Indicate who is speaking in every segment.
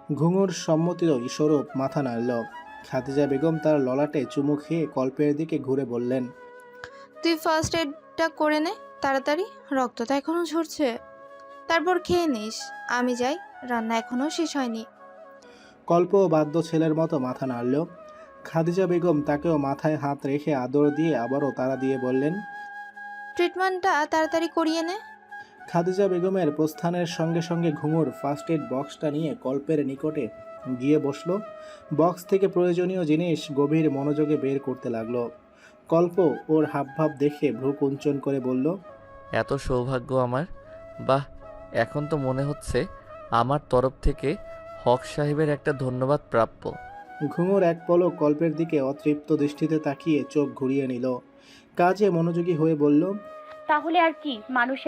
Speaker 1: ঘুঙুর সম্মতিরই স্বরূপ মাথা নাড়ল। খাদিজা বেগম তার ললাটে চুমু খেয়ে কল্পের দিকে ঘুরে বললেন,
Speaker 2: তুই ফার্স্ট এডটা করে নে তাড়াতাড়ি, রক্তটা এখনো ঝরছে। তারপর খেয়ে নিস। আমি যাই, রান্না এখনো শেষ হয়নি।
Speaker 1: কল্প বাদ্য ছেলের মতো মাথা নাড়ল। খাদিজা বেগম তাকেও মাথায় হাত রেখে আদর দিয়ে আবারও তাড়া দিয়ে বললেন।
Speaker 2: ট্রিটমেন্টটা তাড়াতাড়ি করিয়ে নে।
Speaker 1: খাদিজা বেগমের প্রস্থানের সঙ্গে সঙ্গে ঘুঙুর ফার্স্ট এড বক্সটা নিয়ে কল্পের নিকটে গিয়ে বসল। বক্স থেকে প্রয়োজনীয় জিনিস গভীর মনোযোগে বের করতে লাগলো। কল্প ওর হাবভাব দেখে ভ্রু কুঞ্চন করে বলল,
Speaker 3: এত সৌভাগ্য আমার! বাহ, এখন তো মনে হচ্ছে আমার তরফ থেকে হক সাহেবের একটা ধন্যবাদ প্রাপ্য।
Speaker 1: ঘুঙুর এক পলক কল্পের দিকে অতৃপ্ত দৃষ্টিতে তাকিয়ে চোখ ঘুরিয়ে নিল। কাজে মনোযোগী হয়ে বলল,
Speaker 4: তাহলে আর কি,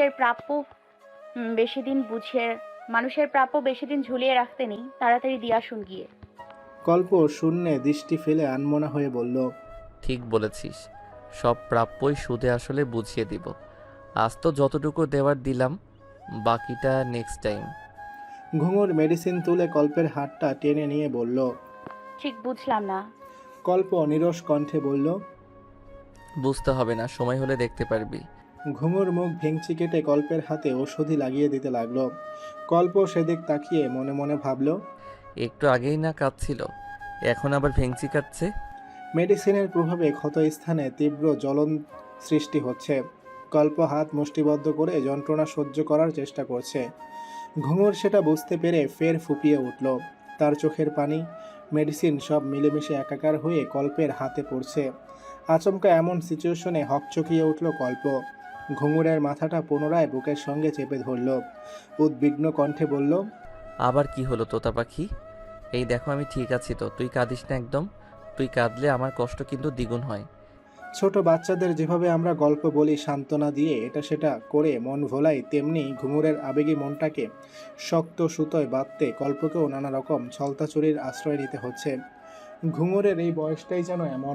Speaker 4: মানুষের প্রাপ্য বেশি দিন ঝুলিয়ে রাখতে নেই, তাড়াতাড়ি দিয়ে আসুন গিয়ে।
Speaker 1: কল্প শূন্যে দৃষ্টি ফেলে আনমনা হয়ে বলল,
Speaker 3: ঠিক বলেছিস, সব প্রাপ্যই সুদে আসলে বুঝিয়ে দিব। আজ তো যতটুকু দেওয়ার দিলাম, বাকিটা নেক্সট টাইম।
Speaker 1: ঘুঙুর মেডিসিন তুলে কল্পের হাতটা টেনে নিয়ে বলল।
Speaker 4: ঠিক বুঝলাম না।
Speaker 1: কল্প নিরস কণ্ঠে বলল,
Speaker 3: বুঝতে হবে না, সময় হলে দেখতে পারবি।
Speaker 1: ঘুঙুর মুখ ভেঙচি কেটে কল্পের হাতে ওষুধি লাগিয়ে দিতে লাগলো। কল্প সেদিক তাকিয়ে মনে মনে ভাবল,
Speaker 3: একটু আগেই না কাঁদছিল, এখন আবার ভেঙচি কাটছে।
Speaker 1: মেডিসিনের প্রভাবে ক্ষত স্থানে তীব্র জ্বলন সৃষ্টি হচ্ছে। কল্প হাত মুষ্টিবদ্ধ করে যন্ত্রণা সহ্য করার চেষ্টা করছে। ঘুঙুর সেটা বুঝতে পেরে ফের ফুপিয়ে উঠল। তার চোখের পানি, মেডিসিন সব মিলেমিশে একাকার হয়ে কল্পের হাতে পড়ছে। আচমকা এমন সিচুয়েশনে হকচকিয়ে উঠল কল্প। ঘুঙুরের মাথাটা পুনরায় বুকের সঙ্গে চেপে ধরল। উদ্বিগ্ন কণ্ঠে বলল,
Speaker 3: আবার কি হলো তোতা পাখি? এই দেখো আমি ঠিক আছি তো, তুই কাঁদিস না একদম। তুই কাঁদলে আমার কষ্ট কিন্তু দ্বিগুণ হয়।
Speaker 1: ছোট বাচ্চাদের যেভাবে আমরা গল্প বলি সান্ত্বনা দিয়ে এটা সেটা করে মন ভোলাই, তেমনি ঘুঙুরের আবেগী মনটাকে শক্ত সুতোয় বাঁধতে কল্পকেও নানা রকম ছলতাচুরির আশ্রয় নিতে হচ্ছে। ঘুঙুরের এই বয়সটাই যেন এমন,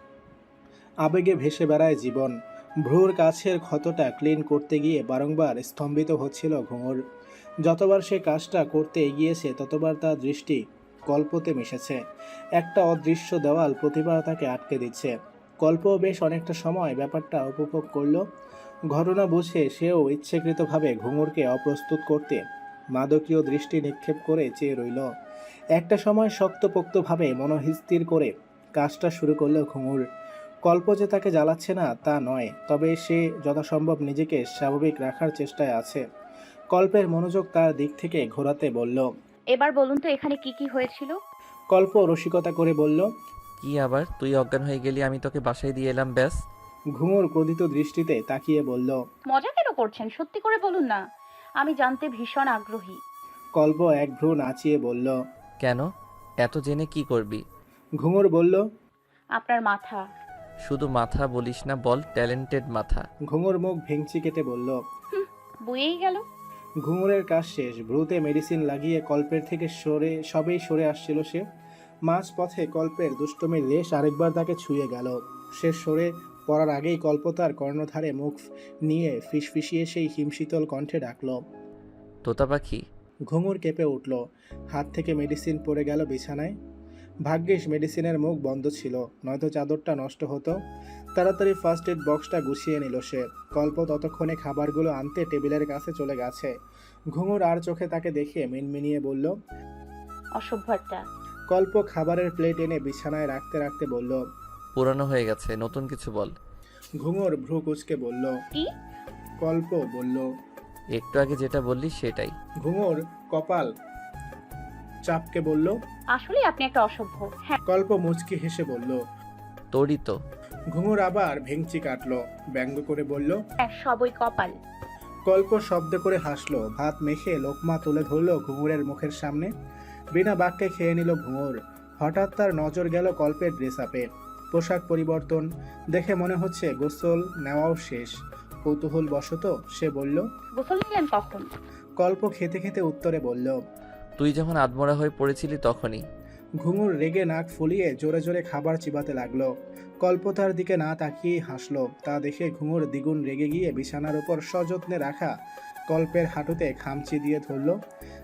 Speaker 1: আবেগে ভেসে বেড়ায় জীবন। ভ্রুর কাছের ক্ষতটা ক্লিন করতে গিয়ে বারংবার স্তম্ভিত হচ্ছিল ঘুঙুর। যতবার সে কাজটা করতে এগিয়েছে ততবার তার দৃষ্টি কল্পতে মিশেছে। একটা অদৃশ্য দেওয়াল প্রতিবার তাকে আটকে দিচ্ছে। কল্প বেশ অনেকটা সময় ব্যাপারটা উপভোগ করল। ঘটনা বুঝে সেও ইচ্ছাকৃতভাবে ঘুঙুরকে অপ্রস্তুত করতে মাদকীয় দৃষ্টি নিক্ষেপ করে চেয়ে রইল। একটা সময় শক্তপোক্তভাবে মনস্থির করে কাজটা শুরু করল ঘুঙুর। কল্প যে তাকে জ্বালাচ্ছে না তা নয়, তবে সে যথাসম্ভব নিজেকে স্বাভাবিক রাখার চেষ্টায় আছে। কল্পের মনোযোগ তার দিক থেকে ঘোরাতে বলল।
Speaker 4: এবার বলুন তো এখানে কি কি হয়েছিল?
Speaker 1: কল্প রসিকতা করে বলল।
Speaker 3: কি আবার, তুই অজ্ঞান হয়ে গেলি, আমি তোকে বাসায় দিয়ে এলাম ব্যাস।
Speaker 1: ঘুঙুর ক্রোধিত দৃষ্টিতে তাকিয়ে বলল।
Speaker 4: মজা কেন করছেন, সত্যি করে বলুন না, আমি জানতে ভীষণ আগ্রহী।
Speaker 1: কল্প এক ভ্রু নাচিয়ে বলল।
Speaker 3: কেন? এত জেনে কি করবি?
Speaker 1: ঘুঙুর বলল।
Speaker 4: আপনার মাথা।
Speaker 3: শুধু মাথা বলিস না, বল ট্যালেন্টেড মাথা।
Speaker 1: ঘুঙুর মুখ ভেঙচি কেটে বলল।
Speaker 4: বইয়েই গেল।
Speaker 1: ঘুঙুরের কাজ শেষ। ভ্রুতে মেডিসিন লাগিয়ে কল্পের থেকে সবেই সরে আসছিল সে। মাঝ পথে কল্পের দুষ্টমির রেশ আরেকবার তাকে ছুঁয়ে গেল। সে সরে পড়ার আগেই কল্প তার কর্ণধারে মুখ নিয়ে ফিসফিসিয়ে সেই হিমশীতল কণ্ঠে ডাকল।
Speaker 3: তোতা পাখি।
Speaker 1: ঘুঙুর কেঁপে উঠল। হাত থেকে মেডিসিন পড়ে গেল বিছানায়। ভাগ্যিস মেডিসিনের মুখ বন্ধ ছিল, নয়তো চাদরটা নষ্ট হতো। তাড়াতাড়ি ফার্স্ট এড বক্সটা গুছিয়ে নিল সে। কল্প ততক্ষণে খাবারগুলো আনতে টেবিলের কাছে চলে গেছে। ঘুঙুর আর চোখে তাকে দেখে মিনমিনিয়ে বলল।
Speaker 4: অসভ্য একটা।
Speaker 1: কল্প খাবারের প্লেট এনে বিছানায় রাখতে রাখতে বলল।
Speaker 3: পুরানো হয়ে গেছে, নতুন কিছু বল।
Speaker 1: ঘুঙুর ভ্রু কুঁচকে বলল।
Speaker 4: কি?
Speaker 1: কল্প বলল।
Speaker 3: একটু আগে যেটা বললি সেটাই।
Speaker 1: ঘুঙুর কপাল চাপকে বলল।
Speaker 4: আসলে আপনি একটা অসভ্য। হ্যাঁ।
Speaker 1: কল্প মুচকি হেসে বলল।
Speaker 3: তোরই তো।
Speaker 1: ঘুঙুর আবার ভেঙচি কাটলো, ব্যঙ্গ করে বলল।
Speaker 4: হ্যাঁ, সবই কপাল।
Speaker 1: কল্প শব্দ করে হাসলো। ভাত মেখে লোকমা তুলে ধরলো ঘুঙুরের মুখের সামনে। বিনা বাক্যে খেয়ে নিল ঘুঙুর। হঠাৎ তার নজর গেল কল্পের ড্রেস আপে। পোশাক পরিবর্তন দেখে মনে হচ্ছে গোসল নেওয়াও শেষ। কৌতূহল বশত সে বলল।
Speaker 4: গোসল নিলেন কখন?
Speaker 1: কল্প খেতে খেতে উত্তরে বলল।
Speaker 3: তুই যখন আদমরা হয়ে পড়েছিলি তখনই।
Speaker 1: ঘুঙুর রেগে নাক ফুলিয়ে জোরে জোরে খাবার চিবাতে লাগলো। কল্প তার দিকে না তাকিয়েই হাসলো। তা দেখে ঘুঙুর দ্বিগুণ রেগে গিয়ে বিছানার উপর সযত্নে রাখা কল্পের হাঁটুতে খামচি দিয়ে ধরল।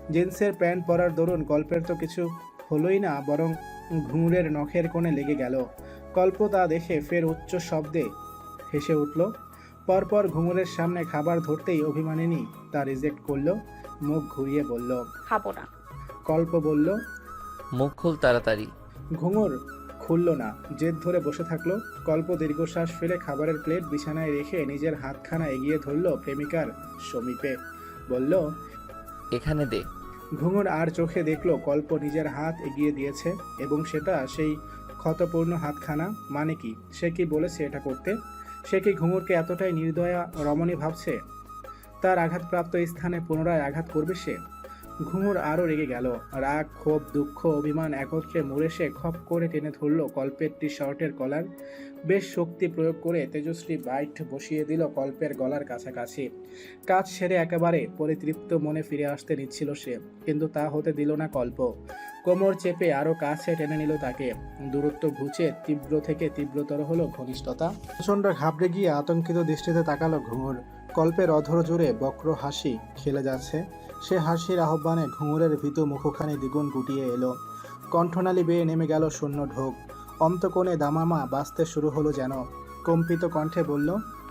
Speaker 1: জিন্সের প্যান্ট পরার দরুন কল্পের তো কিছু হলোই না, বরং ঘুঙুরের নখের কোণে লেগে গেল। কল্প তা দেখে ফের উচ্চ শব্দে হেসে উঠল। পরপর ঘুঙুরের সামনে খাবার ধরতেই অভিমানিনী তা রিজেক্ট করলো, মুখ ঘুরিয়ে বলল।
Speaker 4: খাবো না।
Speaker 1: কল্প বলল।
Speaker 3: মুখ খুল তাড়াতাড়ি।
Speaker 1: ঘুঙুর খুলল না, জেদ ধরে বসে থাকলো। কল্প দীর্ঘশ্বাস ফেলে খাবারের প্লেট বিছানায় রেখে নিজের হাতখানা এগিয়ে ধরল প্রেমিকার সমীপে, বলল।
Speaker 3: এখানে দে।
Speaker 1: ঘুঙুর আর চোখে দেখলো কল্প নিজের হাত এগিয়ে দিয়েছে এবং সেটা সেই ক্ষতপূর্ণ হাতখানা। মানে কি, সে কি বলেছে এটা করতে? সে কি ঘুঙুরকে এতটাই নির্দয়া রমণী ভাবছে? তার আঘাতপ্রাপ্ত স্থানে পুনরায় আঘাত করবে সে? ঘুঙুর আরও রেগে গেল। রাগ, ক্ষোভ, দুঃখ, অভিমান একত্রে মুড়ে সে খপ করে টেনে ধরল কল্পের টি শার্টের কলার। বেশ শক্তি প্রয়োগ করে তেজশ্রী বাইট বসিয়ে দিল কল্পের গলার কাছাকাছি। কাজ সেরে একেবারে পরিতৃপ্ত মনে ফিরে আসতে নিচ্ছিল সে, কিন্তু তা হতে দিল না কল্প। কোমর চেপে আরও কাছে টেনে নিল তাকে। দূরত্ব ঘুচে তীব্র থেকে তীব্রতর হলো ঘনিষ্ঠতা। প্রচণ্ড ঘাবড়ে গিয়ে আতঙ্কিত দৃষ্টিতে তাকালো ঘুঙুর। কল্পের অধর জুড়ে বক্র হাসি খেলে যাচ্ছে। সে হাসির আহ্বানে ঘুঙুরের ভীতু মুখখানি দ্বিগুণ গুটিয়ে এলো। কণ্ঠনালী বেয়ে নেমে গেল শূন্য ঢোক। অন্তকোণে দামামা বাজতে শুরু হলো যেন। কম্পিত কণ্ঠে বলল।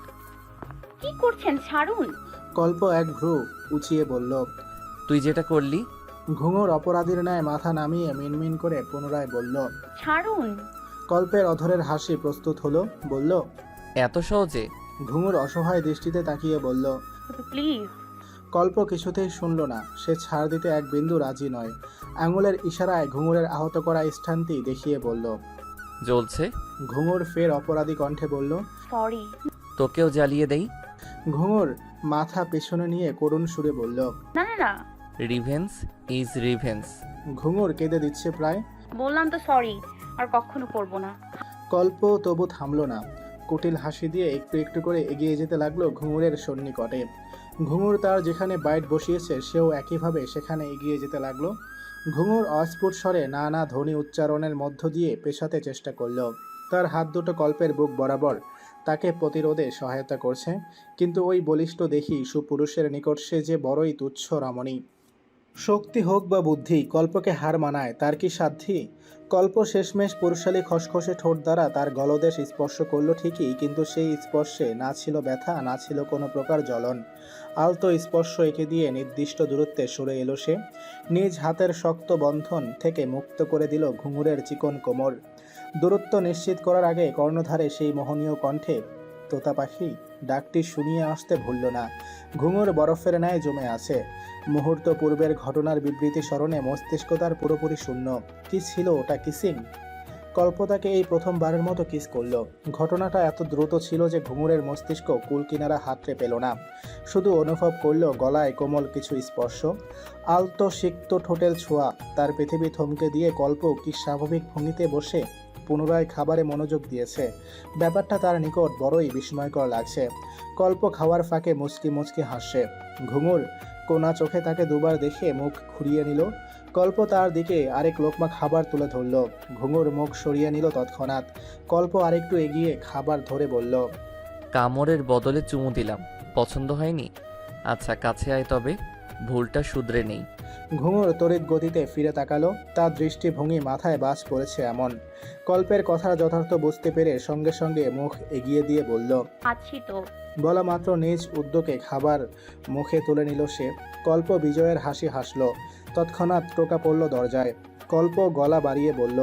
Speaker 4: কি করছেন? ছাড়ুন।
Speaker 1: কল্প এক ভ্রু উঁচিয়ে বলল।
Speaker 3: তুই যেটা করলি।
Speaker 1: ঘুঙুর অপরাধীর ন্যায় মাথা নামিয়ে মিনমিন করে পুনরায় বলল।
Speaker 4: ছাড়ুন।
Speaker 1: কল্পের অধরের হাসি প্রস্তুত হলো, বলল।
Speaker 3: এত সহজে?
Speaker 1: ঘুঙুর অসহায় দৃষ্টিতে তাকিয়ে বলল।
Speaker 4: প্লিজ।
Speaker 1: কল্প কিছুতেই শুনল না। সে ছাড় দিতে এক বিন্দু রাজি নয়। আঙুলের ইশারায় ঘুঙুরের আহত করা স্থানটি দেখিয়ে বলল।
Speaker 3: জ্বলছে।
Speaker 1: ঘুঙুর ফের অপরাধী কণ্ঠে বলল।
Speaker 4: সরি।
Speaker 3: তোকেও জ্বালিয়ে দেই।
Speaker 1: ঘুঙুর মাথা পেছনে নিয়ে করুণ সুরে বলল।
Speaker 4: না না না।
Speaker 3: Revenge is revenge.
Speaker 1: ঘুঙুর কেঁদে দিচ্ছে প্রায়।
Speaker 4: বললাম তো সরি, আর কখনো করবো না।
Speaker 1: কল্প তবু থামল না। কুটিল হাসি দিয়ে একটু একটু করে এগিয়ে যেতে লাগলো ঘুঙুরের সন্নিকটে। ঘুঙুর তার যেখানে বাইট বসিয়েছে সেও একইভাবে সেখানে এগিয়ে যেতে লাগলো। ঘুঙুর অস্ফুট স্বরে নানা ধ্বনি উচ্চারণের মধ্য দিয়ে পেছাতে চেষ্টা করল। তার হাত দুটো কল্পের বুক বরাবর তাকে প্রতিরোধে সহায়তা করছে, কিন্তু ওই বলিষ্ঠ দেখি সুপুরুষের নিকট সে যে বড়ই তুচ্ছ রমণী। শক্তি হোক বা বুদ্ধি, কল্পকে হার মানায় তার কি সাধ্যি? কল্প শেষমেশ পুরুষালী খসখসে ঠোঁট দ্বারা তার গলদেশ স্পর্শ করল ঠিকই, কিন্তু সেই স্পর্শে না ছিল ব্যথা, না ছিল কোনো প্রকার জ্বলন। আলতো স্পর্শ এঁকে দিয়ে নির্দিষ্ট দূরত্বে সরে এলো সে। নিজ হাতের শক্ত বন্ধন থেকে মুক্ত করে দিল ঘুঙুরের চিকন কোমর। দূরত্ব নিশ্চিত করার আগে কর্ণধারে সেই মোহনীয় কণ্ঠে তোতা পাখি ডাকটি শুনিয়ে আসতে ভুলল না। ঘুঙুর বরফের ন্যায় জমে আছে। মুহূর্ত পূর্বের ঘটনার বিবৃতি স্মরণে মস্তিষ্ক তার পুরোপুরি শূন্য। কি ছিল ওটা? কিসিং? কল্প তাকে এই প্রথমবারের মতো কিস করল। ঘটনাটা এত দ্রুত ছিল যে ঘুঙুরের মস্তিষ্ক কুল কিনারা হাতড়ে পেল না। শুধু অনুভব করল গলায় কোমল কিছু স্পর্শ, আলতো সিক্ত ঠোঁটের ছোঁয়া। তার পৃথিবী থমকে দিয়ে কল্প কি স্বাভাবিক ভঙ্গিতে বসে পুনরায় খাবারে মনোযোগ দিয়েছে। ব্যাপারটা তার নিকট বড়ই বিস্ময়কর লাগছে। কল্প খাওয়ার ফাঁকে মুচকি মুচকি হাসছে। ঘুঙুর কোনা চোখে তাকে দুবার দেখে মুখ ঘুরিয়ে নিল। কল্প তার দিকে আরেক লোকমা খাবার তুলে ধরল। ঘুঙুর মুখ সরিয়ে নিল তৎক্ষণাৎ। কল্প আরেকটু এগিয়ে খাবার ধরে বলল।
Speaker 3: কামড়ের বদলে চুমু দিলাম, পছন্দ হয়নি? আচ্ছা কাছে আয়, তবে ভুলটা শুধরে নেই।
Speaker 1: ঘুঙুর তড়িৎ গতিতে ফিরে তাকালো। তার দৃষ্টিভঙ্গি মাথায় বাজ পড়েছে এমন। কল্পের কথা যথার্থ বুঝতে পেরে সঙ্গে সঙ্গে মুখ এগিয়ে দিয়ে বলল।
Speaker 4: আছি তো।
Speaker 1: বলা মাত্র নিজ উদ্যোগে খাবার মুখে তুলে নিল সে। কল্প বিজয়ের হাসি হাসল। তৎক্ষণাৎ টোকা পড়ল দরজায়। কল্প গলা বাড়িয়ে বলল।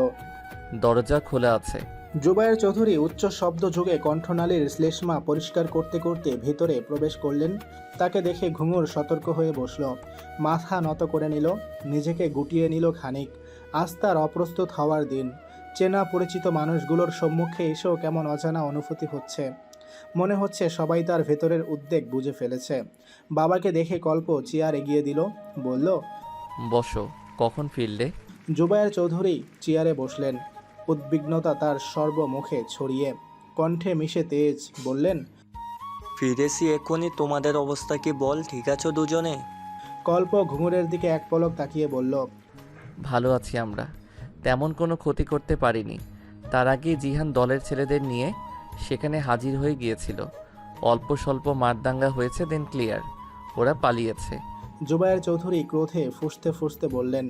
Speaker 3: দরজা খোলা আছে।
Speaker 1: জুবায়ের চৌধুরী উচ্চ শব্দ যুগে কণ্ঠনালীর শ্লেষ্মা পরিষ্কার করতে করতে ভেতরে প্রবেশ করলেন। তাকে দেখে ঘুঙুর সতর্ক হয়ে বসল। মাথা নত করে নিল, নিজেকে গুটিয়ে নিল খানিক। আজ তার অপ্রস্তুত হওয়ার দিন। চেনা পরিচিত মানুষগুলোর সম্মুখে এসেও কেমন অজানা অনুভূতি হচ্ছে। মনে হচ্ছে সবাই তার ভেতরের উদ্বেগ বুঝে ফেলেছে। বাবাকে দেখে কল্প চেয়ার এগিয়ে দিল, বলল।
Speaker 3: বসো। কখন ফিরলে?
Speaker 1: জুবায়ের চৌধুরী চেয়ারে বসলেন। উদ্বিগ্নতা তার সর্বমুখে ছড়িয়ে। কণ্ঠে মিশে তেজ বললেন।
Speaker 5: ফিরেছি এক্ষুনি। তোমাদের অবস্থা কি বল? ঠিক আছো দুজনে?
Speaker 1: কল্প ঘুঙুরের দিকে এক পলক তাকিয়ে বলল।
Speaker 3: ভালো আছি আমরা, তেমন কোনো ক্ষতি করতে পারিনি। তার আগে জিহান দলের ছেলেদের নিয়ে সেখানে হাজির হয়ে গিয়েছিল। অল্প স্বল্প মারদাঙ্গা হয়েছে, দেন ক্লিয়ার। ওরা পালিয়েছে।
Speaker 1: জুবায়ের চৌধুরী ক্রোধে ফুঁসতে ফুঁসতে বললেন,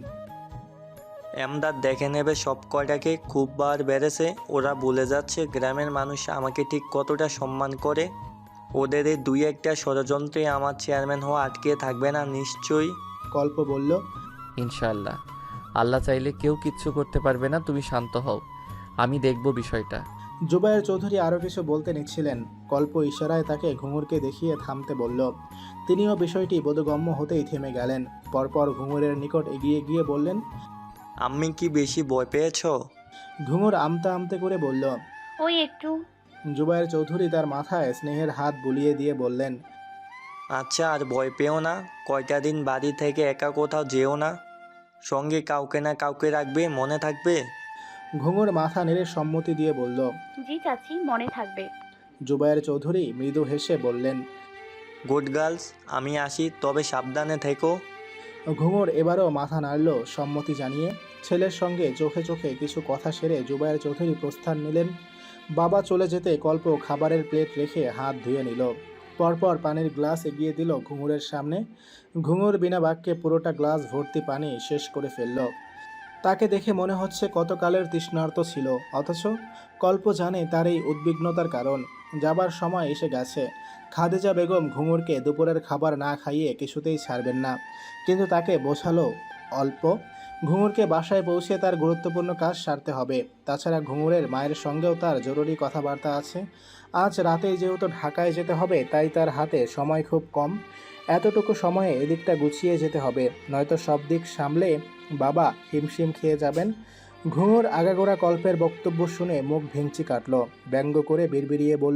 Speaker 5: এমদাদ দেখে নেবে সব কয়টাকে, খুব বার বেড়েছে। ওরা ভুলে যাচ্ছে গ্রামের মানুষ আমাকে ঠিক কতটা সম্মান করে। ওদের এই দুই একটা ষড়যন্ত্রে আমার চেয়ারম্যান হওয়া আটকে থাকবে না নিশ্চয়ই।
Speaker 1: কল্প বলল,
Speaker 3: ইনশাআল্লাহ। আল্লাহ চাইলে কেউ কিচ্ছু করতে পারবে না, তুমি শান্ত হও, আমি দেখব বিষয়টা।
Speaker 1: জুবায়ের চৌধুরী আরও কিছু বলতে নিচ্ছিলেন, কল্প ইশারায় তাকে ঘুঙুরকে দেখিয়ে থামতে বলল। তিনিও বিষয়টি বোধগম্য হতেই থেমে গেলেন। পরপর ঘুঙুরের নিকট এগিয়ে গিয়ে বললেন।
Speaker 5: আমি কি বেশি ভয় পেয়েছো?
Speaker 1: ঘুঙুর আমতা আমতে করে বলল।
Speaker 4: ওই একটু।
Speaker 1: জুবায়ের চৌধুরী তার মাথায় স্নেহের হাত বুলিয়ে দিয়ে বললেন,
Speaker 5: আচ্ছা আর ভয় পেও না, কয়টা দিন বাড়ি থেকে একা কোথাও যেও না, সঙ্গে কাউকে না কাউকে রাখবে, মনে থাকবে?
Speaker 1: ঘুঙুর মাথা নেড়ে সম্মতি দিয়ে বলল।
Speaker 4: জি চাচি, মনে থাকবে।
Speaker 1: জুবায়ের চৌধুরী মৃদু হেসে বললেন,
Speaker 5: গুড গার্লস, আমি আসি, তবে সাবধানে থেকো।
Speaker 1: ঘুঙুর এবারও মাথা নাড়ল সম্মতি জানিয়ে। ছেলের সঙ্গে চোখে চোখে কিছু কথা সেরে জুবায়ের চৌধুরী প্রস্থান নিলেন। বাবা চলে যেতে কল্প খাবারের প্লেট রেখে হাত ধুয়ে নিল। পরপর পানির গ্লাস এগিয়ে দিল ঘুঙুরের সামনে। ঘুঙুর বিনা বাক্যে পুরোটা গ্লাস ভর্তি পানি শেষ করে ফেলল। তাকে দেখে মনে হচ্ছে কতকালের তৃষ্ণার্ত ছিল, অথচ কল্প জানে তার এই উদ্বিগ্নতার কারণ। যাবার সময় এসে গেছে। খাদিজা বেগম ঘুঙুরকে দুপুরের খাবার না খাইয়ে কিছুতেই ছাড়বেন না, কিন্তু তাকে বোঝালো অল্প। ঘুঙুরকে বাসায় পৌঁছে তার গুরুত্বপূর্ণ কাজ সারতে হবে। তাছাড়া ঘুঙুরের মায়ের সঙ্গেও তার জরুরি কথাবার্তা আছে। আজ রাতেই যেহেতু ঢাকায় যেতে হবে, তাই তার হাতে সময় খুব কম। এতটুকু সময়ে এদিকটা গুছিয়ে যেতে হবে, নয়তো সব দিক সামলে বাবা হিমশিম খেয়ে যাবেন। ঘুঙুর আগাগোড়া কল্পের বক্তব্য শুনে মুখ ভেঙচি কাটল। ব্যঙ্গ করে বিড়বিড়িয়ে বলল,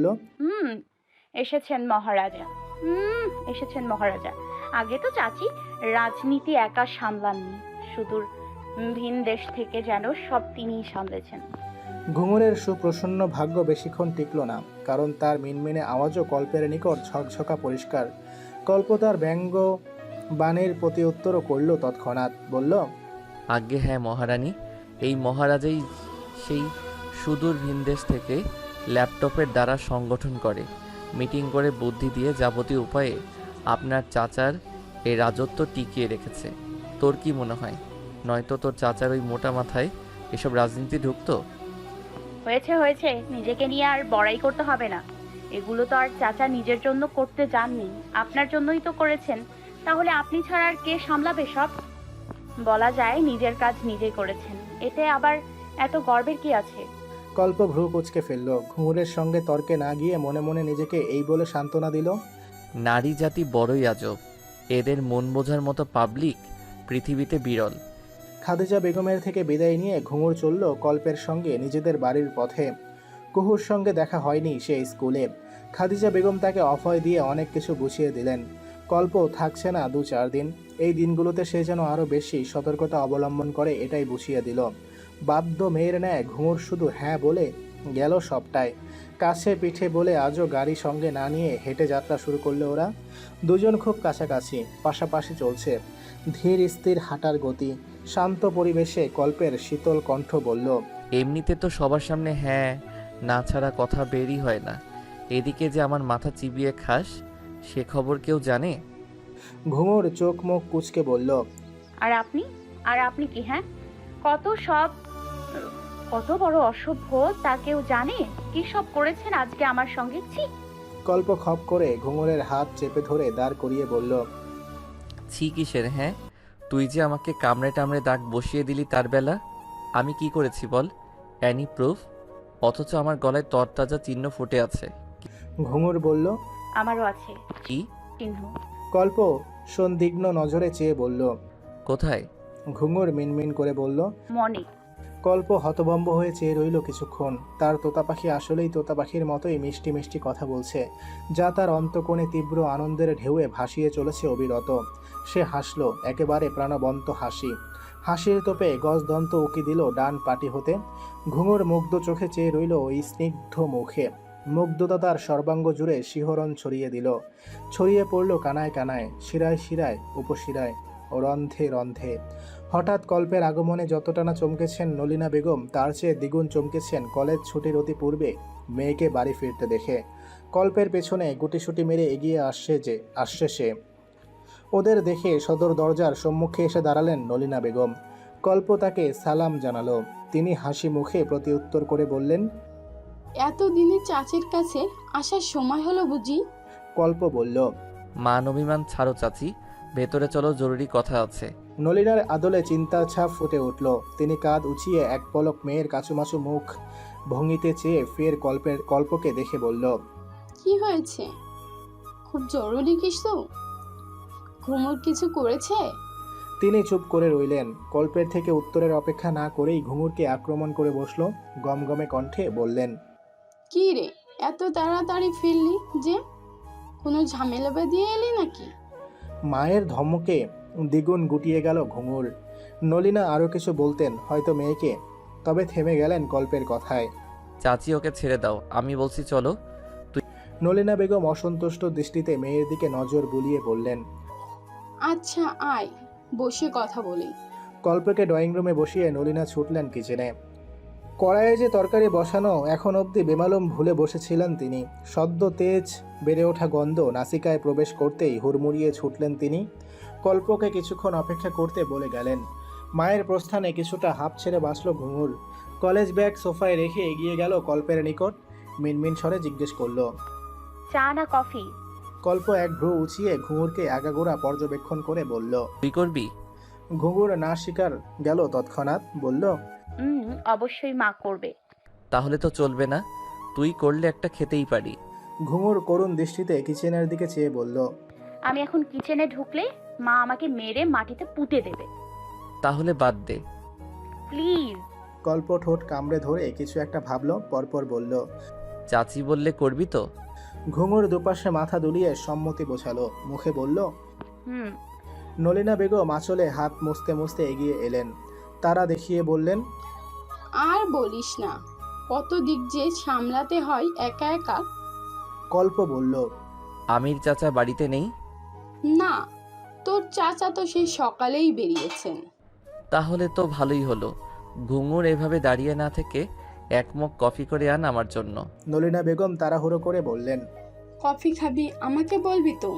Speaker 4: এসেছেন মহারাজা। এসেছেন মহারাজা। আগে তো চাচি রাজনীতি একা সামলাননি, সুদূর ভিন দেশ থেকে যেন সব তিনিই সামলেছেন।
Speaker 1: ঘুঙুরের সুপ্রসন্ন ভাগ্য বেশিক্ষণ টিকল না, কারণ তার মিনমিনে আওয়াজও কল্পের নিকট ঝকঝকা পরিষ্কার। কল্প তার ব্যঙ্গ বাণীর প্রতি উত্তরও করল তৎক্ষণাৎ। বলল,
Speaker 3: আজ্ঞে হ্যাঁ মহারানী, এই মহারাজাই সেই সুদূর ভিনদেশ থেকে ল্যাপটপের দ্বারা সংগঠন করে, মিটিং করে বুদ্ধি দিয়ে যাবতীয় উপায়ে আপনার চাচার এই রাজত্ব টিকিয়ে রেখেছে। তোর কি মনে হয়, নয়তো তোর চাচার ওই মোটা মাথায় এসব রাজনীতি ঢুকতো?
Speaker 4: হয়েছে হয়েছে, নিজেকে নিয়ে আর বড়াই করতে হবে না। এগুলো তো আর চাচা নিজের জন্য করতে যাননি, আপনার জন্যই তো করেছেন। তাহলে আপনি ছাড়া আর কে সামলাবে সব? বলা যায় নিজের কাজ নিজেই করেছেন, এতে আবার এত গর্বের কি আছে?
Speaker 1: কল্প ভ্রু কুঁচকে ফেলল। ঘুঙুরের সঙ্গে তর্কে না গিয়ে মনে মনে নিজেকে এই বলে সান্ত্বনা দিল,
Speaker 3: নারী জাতি বড়ই আজব, এদের মন বোঝার মতো পাবলিক পৃথিবীতে বিরল।
Speaker 1: খাদিজা বেগমের থেকে বিদায় নিয়ে ঘুঙুর চলল কল্পের সঙ্গে নিজেদের বাড়ির পথে। কুহুর সঙ্গে দেখা হয়নি সে স্কুলে। খাদিজা বেগম তাকে অভয় দিয়ে অনেক কিছু বুঝিয়ে দিলেন। কল্প থাকছে না 2-4 দিন। এই দিনগুলোতে সে যেন আরও বেশি সতর্কতা অবলম্বন করে, এটাই বুঝিয়ে দিল। বাধ্য মেয়ের ন্যায় ঘুঙুর শুধু হ্যাঁ বলে গেল সবটাই। কাছে পিঠে বলে আজও গাড়ি সঙ্গে না নিয়ে হেঁটে যাত্রা শুরু করলো ওরা। দুজন খুব কাছাকাছি, পাশাপাশি চলছে। ধীর স্থির হাঁটার গতি। শান্ত পরিবেশে কল্পের শীতল কণ্ঠ বলল,
Speaker 3: এমনিতে তো সবার সামনে হ্যাঁ না ছাড়া কথা বেরই হয় না, এদিকে যে আমার মাথা চিবিয়ে খাস সে খবর কেউ জানে?
Speaker 1: ঘুঙুর চোখ মুখ কুঁচকে বলল,
Speaker 4: আর আপনি? আর আপনি কি? হ্যাঁ, কত বড় অসভ্য তা কেউ জানে? কি সব করেছেন আজকে আমার সঙ্গে? ছি!
Speaker 1: কল্প খপ করে ঘুঙুরের হাত চেপে ধরে দাঁড় করিয়ে বলল,
Speaker 3: ছি কিসের হ্যাঁ? তুই যে আমাকে কামড়ে টামড়ে দাগ বসিয়ে দিলি তার বেলা আমি কি করেছি বল? Annie proof? অথচ আমার গলায় তরতাজা চিহ্ন ফুটে আছে।
Speaker 1: ঘুঙুর বলল,
Speaker 4: আমারও আছে
Speaker 3: কি?
Speaker 4: চিহ্ন।
Speaker 1: কল্প সন্দিগ্ন নজরে চেয়ে বলল,
Speaker 3: কোথায়?
Speaker 1: ঘুঙুর মিনমিন করে বলল,
Speaker 4: মনে।
Speaker 1: কল্প হতভম্ব হয়ে চেয়ে রইল কিছুক্ষণ। তার তোতা পাখি আসলেই তোতা পাখির মতোই মিষ্টি মিষ্টি কথা বলছে, যা তার অন্তঃকোণে তীব্র আনন্দের ঢেউয়ে ভাসিয়ে চলেছে অবিরত। সে হাসল, একেবারে প্রাণবন্ত হাসি। হাসির তোপে গজদন্ত উকি দিল ডান পাটি হতে। ঘুঙুর মুগ্ধ চোখে চেয়ে রইল ওই স্নিগ্ধ মুখে। মুগ্ধতা তার সর্বাঙ্গ জুড়ে শিহরণ ছড়িয়ে দিল। ছড়িয়ে পড়ল কানায় কানায়, শিরায় শিরায়, উপশিরায় ও রন্ধ্রে রন্ধ্রে। হঠাৎ কল্পের আগমনে যতটা না চমকেছেন নলিনা বেগম, তার চেয়ে দ্বিগুণ চমকেছেন কলেজ ছুটির অতি পূর্বে মেয়েকে বাড়ি ফিরতে দেখে। কল্পের পেছনে গুটিসুটি মেরে এগিয়ে আসছে সে। ওদের দেখে সদর দরজার সম্মুখে এসে দাঁড়ালেন নলিনা বেগম। কল্প তাকে সালাম জানালো। তিনি হাসি মুখে প্রতিউত্তর করে বললেন,
Speaker 6: এতদিনে চাচির কাছে আসার সময় হলো বুঝি?
Speaker 1: কল্প বলল।
Speaker 3: মান অভিমান ছাড়ো চাচি, ভেতরে চলো, জরুরি কথা আছে।
Speaker 1: নলিনার আদলে চিন্তার ছাপ ফুটে উঠল। তিনি কাঁধ উঁচিয়ে এক পলক মেয়ের কাচুমাচু মুখ ভঙ্গিতে চেয়ে ফের কল্পকে দেখে বলল,
Speaker 6: কি হয়েছে? খুব জরুরি কিছু? ঘুমুর কিছু করেছে?
Speaker 1: তিনি চুপ করে রইলেন। কল্পের থেকে উত্তরের অপেক্ষা না করেই ঘুঙুরকে আক্রমণ করে বসল। গমগমে কণ্ঠে বললেন,
Speaker 6: কি রে, এত তাড়াতাড়ি ফিরলি যে? কোনো ঝামেলা বাঁধিয়ে এলি নাকি?
Speaker 1: মায়ের ধমকে দ্বিগুণ গুটিয়ে গেল ঘুঙুর। নলিনা আরও কিছু বলতেন হয়তো মেয়েকে, তবে থেমে গেলেন কল্পের কথায়।
Speaker 3: চাচি ওকে ছেড়ে দাও, আমি বলছি চলো।
Speaker 1: নলিনা বেগম অসন্তুষ্ট দৃষ্টিতে মেয়ের দিকে নজর বুলিয়ে বললেন,
Speaker 6: আচ্ছা আয়, বসে কথা বলি।
Speaker 1: কল্পকে ড্রয়িং রুমে বসিয়ে নলিনা ছুটলেন কিচেনে। কড়াইয়ে যে তরকারি বসানো এখন অবধি বেমালুম ভুলে বসেছিলেন তিনি। সদ্য তেজ বেড়ে ওঠা গন্ধ নাসিকায় প্রবেশ করতেই হুড়মুড়িয়ে ছুটলেন তিনি। কল্পকে কিছুক্ষণ অপেক্ষা করতে বলে গেলেন। মায়ের প্রস্থানে কিছুটা হাঁপ ছেড়ে বাঁচল ঘুঙুর। কলেজ ব্যাগ সোফায় রেখে এগিয়ে গেল কল্পের নিকট। মিনমিন স্বরে জিজ্ঞেস করল,
Speaker 4: চা না কফি?
Speaker 1: কল্প এক ভ্রু উঁচিয়ে ঘুঙুরকে আগাগোড়া পর্যবেক্ষণ করে বলল।
Speaker 3: তুই করবি?
Speaker 1: ঘুঙুর না স্বীকার গেল তৎক্ষণাৎ বলল,
Speaker 4: অবশ্যই মা করবে।
Speaker 3: তাহলে তো চলবে না, তুই করলে একটা খেতেই পারি।
Speaker 1: ঘুঙুর করুণ দৃষ্টিতে কিচেনের দিকে চেয়ে বলল,
Speaker 4: আমি এখন কিচেনে ঢুকলে মা আমাকে মেরে মাটিতে পুঁতে দেবে।
Speaker 3: তাহলে বাদ দে।
Speaker 4: প্লিজ।
Speaker 1: কল্প ঠোঁট কামড়ে ধরে কিছু একটা ভাবল, পরপর বলল।
Speaker 3: চাচি বললে করবি তো?
Speaker 1: ঘুঙুর দুপাশে মাথা দুলিয়ে সম্মতি বোঝালো, মুখে বলল।
Speaker 4: হুম।
Speaker 1: নলিনা বেগম আঁচলে হাত মুছতে মুছতে এগিয়ে এলেন। তারা দেখিয়ে বললেন,
Speaker 6: আর বলিস না, কত দিক যে সামলাতে হয় একা একা।
Speaker 1: কল্প বলল,
Speaker 3: আমির চাচা বাড়িতে নেই?
Speaker 6: না, তোর চাচা তো সেই সকালেই বেরিয়েছেন।
Speaker 3: তাহলে তো ভালোই হলো। ঘুঙুর এভাবে দাঁড়িয়ে না থেকে এক মগ কফি করে আন আমার জন্য।
Speaker 1: নলিনা বেগম তাড়াহুড়ো করে বললেন,
Speaker 6: কফি খাবি? আমাকে বলবি তো।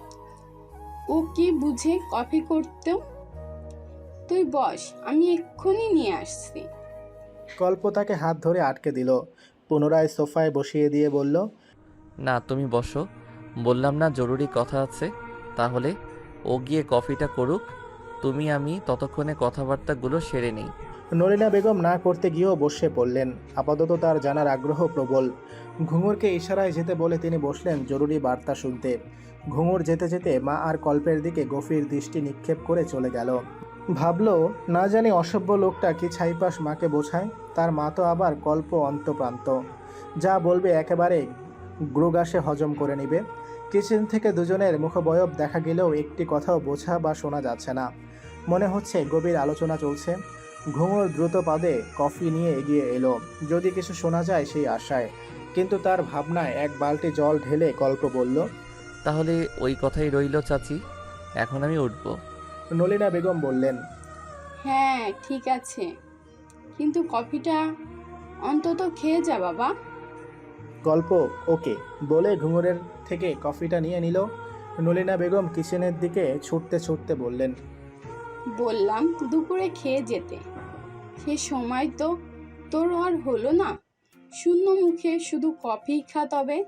Speaker 6: ও কি বুঝে কফি করতেও? তুই বস, আমি এক্ষুনি নিয়ে আসছি।
Speaker 1: কল্প তাকে হাত ধরে আটকে দিল। পুনরায় সোফায় বসিয়ে দিয়ে বলল,
Speaker 3: না, তুমি বসো, বললাম না জরুরি কথা আছে। তাহলে ও গিয়ে কফিটা করুক, আমি ততক্ষণে কথাবার্তাগুলো সেরে নেই।
Speaker 1: নলিনা বেগম না করতে গিয়েও বসে পড়লেন। আপাতত তার জানার আগ্রহ প্রবল। ঘুঙুরকে ইশারায় যেতে বলে তিনি বসলেন জরুরি বার্তা শুনতে। ঘুঙুর যেতে যেতে মা আর কল্পের দিকে গভীর দৃষ্টি নিক্ষেপ করে চলে গেল। ভাবল, না জানি অসভ্য লোকটা কি ছাইপাশ মাকে বোঝায়। তার মা তো আবার কল্প অন্তপ্রান্ত, যা বলবে একেবারে গ্রুগাসে হজম করে নেবে। কিচেন থেকে দুজনের মুখবয়ব দেখা গেলেও একটি কথাও বোঝা বা শোনা যাচ্ছে না। মনে হচ্ছে গভীর আলোচনা চলছে। ঘুঙুর দ্রুত পাদে কফি নিয়ে এগিয়ে এলো, যদি কিছু শোনা যায় সেই আশায়। কিন্তু তার ভাবনায় এক বালতি জল ঢেলে কল্প বলল,
Speaker 3: তাহলে ওই কথাই রইল চাচি, এখন আমি উঠব।
Speaker 1: নলিনা বেগম বললেন,
Speaker 6: হ্যাঁ ঠিক আছে, কিন্তু কফিটা অন্তত খেয়ে যা বাবা।
Speaker 1: গল্প ওকে বলে ঘুঙুরের থেকে কফিটা নিয়ে নিল। নলিনা বেগম কিচেনের দিকে ছুটতে ছুটতে বললেন,
Speaker 6: বললাম দুপুরে খেয়ে যেতে, সে সময় তো তোর আর হলো না। শূন্য মুখে শুধু কফি খা। তবে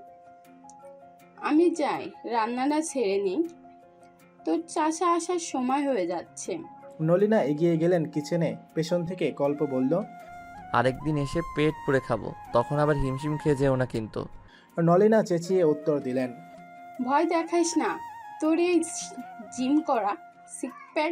Speaker 6: আমি যাই, রান্নাটা ছেড়ে নিই, তোর চাচা আসার সময় হয়ে যাচ্ছে।
Speaker 1: নলিনা এগিয়ে গেলেন কিচেনে। পেছন থেকে কল্প বলল,
Speaker 3: আরেকদিন এসে পেট পুড়ে খাবো, তখন আবার হিমশিম খেয়ে যেও না কিন্তু।
Speaker 1: নলিনা চেঁচিয়ে উত্তর দিলেন,
Speaker 6: ভয় দেখাইস না, তোর এই জিম করা সিক্স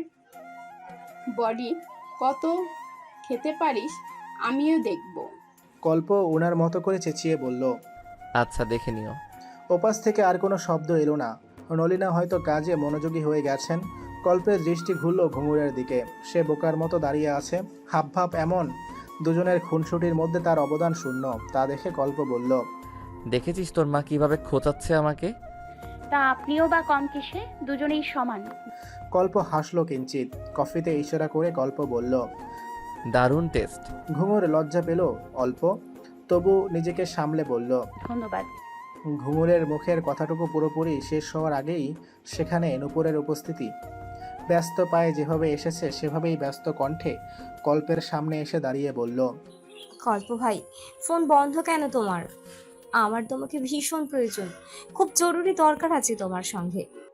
Speaker 6: বডি কত খেতে পারিস আমিও দেখব।
Speaker 1: কল্প ওনার মতো করে চেঁচিয়ে বলল।
Speaker 3: আচ্ছা, দেখে নিও।
Speaker 1: ওপাশ থেকে আর কোনো শব্দ এলো না। নলিনা হয়তো কাজে মনোযোগী হয়ে গেছেন। কল্পের দৃষ্টি ঘুরল ঘুঙুরের দিকে। সে বোকার মতো দাঁড়িয়ে আছে, হাবভাব এমন। দুজনের খুনসুটির মধ্যে তার অবদান শূন্য। তা দেখে কল্প বলল,
Speaker 3: দেখেছিস তোর মা কিভাবে খোঁচাচ্ছে আমাকে?
Speaker 4: তা আপনিও বা কম কিসে? দুজনেই সমান।
Speaker 1: কল্প হাসল কিঞ্চিত। কফিতে ইশারা করে কল্প বলল,
Speaker 3: দারুণ টেস্ট।
Speaker 1: ঘুঙুর লজ্জা পেল অল্প, তবু নিজেকে সামলে বলল,
Speaker 4: ধন্যবাদ।
Speaker 1: ঘুঙুরের মুখের কথাটুকু পুরোপুরি শেষ হওয়ার আগেই সেখানে নূপুরের উপস্থিতি। ব্যস্ত পায়ে যেভাবে এসেছে সেভাবেই ব্যস্ত কণ্ঠে কল্পের সামনে এসে দাঁড়িয়ে বলল,
Speaker 7: কল্প ভাই, ফোন বন্ধ কেন তোমার? আমার তোমাকে ভীষণ প্রয়োজন, খুব জরুরি দরকার আছে তোমার সঙ্গে।